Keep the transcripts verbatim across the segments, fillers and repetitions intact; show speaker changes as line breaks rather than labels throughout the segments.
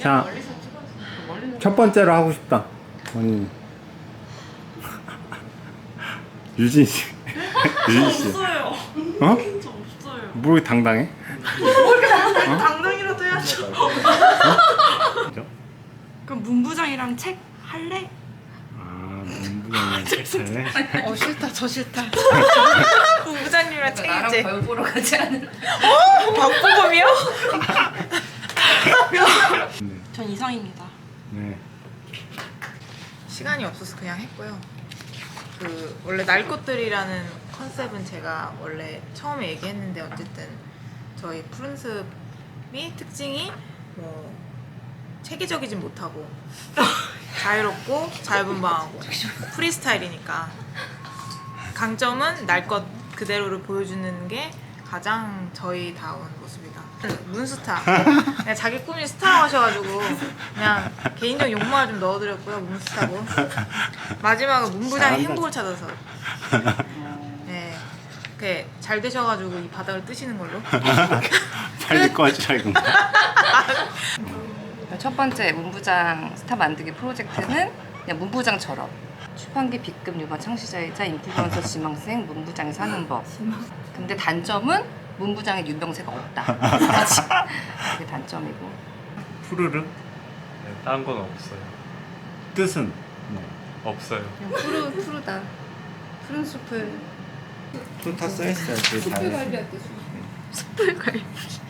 자, 첫 번째로 하고 싶다. 언니. 유진 씨. 유진 씨.
없어요.
어?
저 없어요.
뭐 이렇게 당당해?
당당이라도 해야죠.
그죠?
그럼 문부장이랑 책 할래?
아, 문부장님 책사네.
어 싫다 저 싫다. 문부장님이랑 책
나랑
이제.
벌 보러 가지 않은.
어? 박보검이요? 전 이상입니다.
네.
시간이 없어서 그냥 했고요. 그 원래 날 것들이라는 컨셉은 제가 원래 처음에 얘기했는데 어쨌든 저희 푸른숲이 특징이 뭐 체계적이진 못하고 자유롭고 자유분방하고 프리스타일이니까 강점은 날 것 그대로를 보여주는 게 가장 저희다운 모습이다. 문스타. 그냥 자기 꿈이 스타라고 하셔가지고 그냥 개인적 욕망을 좀 넣어드렸고요. 문스타고. 마지막은 문부장의 행복을 찾아서. 네. 그게 잘 되셔가지고 이 바닥을 뜨시는 걸로.
빨리 꺼지라 이거.
첫 번째 문부장 스타 만들기 프로젝트는 그냥 문부장처럼 출판기 B급 유머 창시자이자 인플루언서 지망생 문부장이 사는 법. 근데 단점은 문부장의 유명세가 없다. 그게 단점이고.
푸르르?
네, 딴 건 없어요.
뜻은?
없어요.
그냥 푸르 푸르다. 푸른 숲을
푸르 다 써있어요.
숲을 관리할 때
숯불 관리.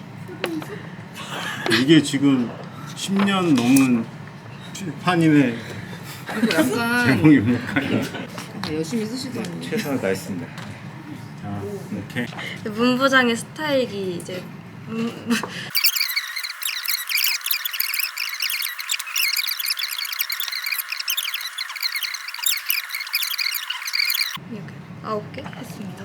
이게 지금 십 년 넘은 출판인의
그리고 약간
제목입니까?
열심히 쓰시더니
최선을 다했습니다. 자, 이렇게.
문부장의 스타일이 이제 문... 이렇게 아홉 개 했습니다.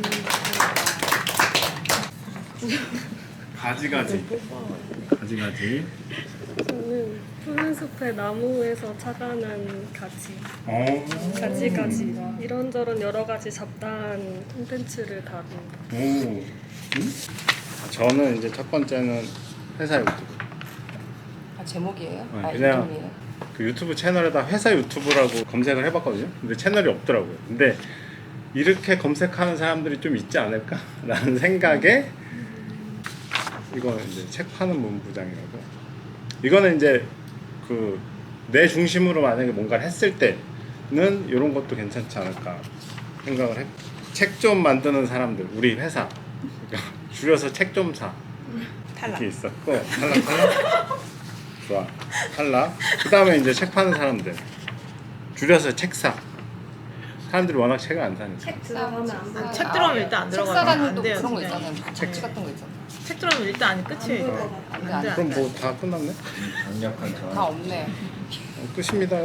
가지가지. 가지가지.
저는 푸른 숲의 나무에서 착안한 가지,
오.
가지가지 이런저런 여러 가지 잡다한 콘텐츠를 다룬.
오. 응? 저는 이제 첫 번째는 회사 유튜브.
아, 제목이에요?
네,
아,
그냥-
이름이에요?
그 유튜브 채널에다 회사 유튜브라고 검색을 해봤거든요. 근데 채널이 없더라고요. 근데 이렇게 검색하는 사람들이 좀 있지 않을까라는 생각에 이거는 이제 책 파는 문부장이라고. 이거는 이제 그 내 중심으로 만약에 뭔가를 했을 때는 이런 것도 괜찮지 않을까 생각을 했고, 책 좀 만드는 사람들, 우리 회사 그러니까 줄여서 책 좀 사
탈락.
이렇게 있었고, 탈락 탈락 좋아 탈락. 그 다음에 이제 책 파는 사람들 줄여서 책사. 사람들이 워낙 책을 안 사니까.
들어가면 안 돼.
책 들어오면 일단 안 들어가요.
책사라는
안
또
돼요,
그런 거
진짜.
있잖아요. 잡지 같은 거 있잖아.
책 들어오면 일단 아니 끝이에요.
안 돼,
안
안
돼,
돼.
안
그럼
돼.
뭐 다 끝났네?
다 없네.
어, 끝입니다요.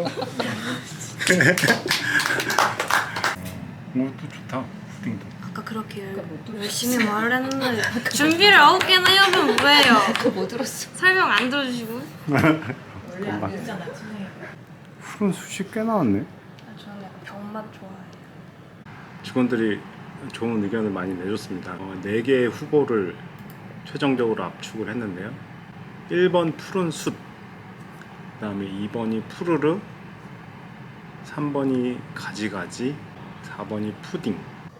오, 또 좋다. 푸딩도.
아까 그렇게 열심히 말을 했는데 준비를 아홉 개나 해오면 뭐예요?
그거 못 들었어.
설명 안 들어주시고.
원래 안 되잖아, 팀장님.
푸른 숱이 꽤 나왔네.
저는 약간 병맛 좋아해요.
직원들이 좋은 의견을 많이 내줬습니다. 어, 네 개의 후보를 최종적으로 압축을 했는데요. 일 번 푸른 숲, 그 다음에 이 번이 푸르르, 삼 번이 가지가지, 사 번이 푸딩.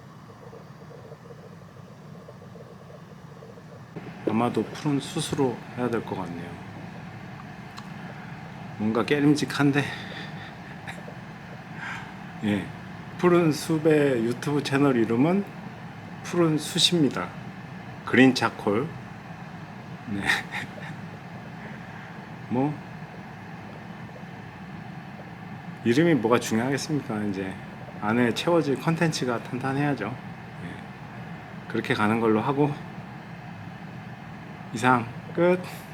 아마도 푸른 숯으로 해야 될 것 같네요. 뭔가 깨림직한데 예, 푸른 숲의 유튜브 채널 이름은 푸른 숯입니다. 그린 차콜. 네. 뭐 이름이 뭐가 중요하겠습니까? 이제 안에 채워질 컨텐츠가 탄탄해야죠. 예. 그렇게 가는 걸로 하고 이상 끝.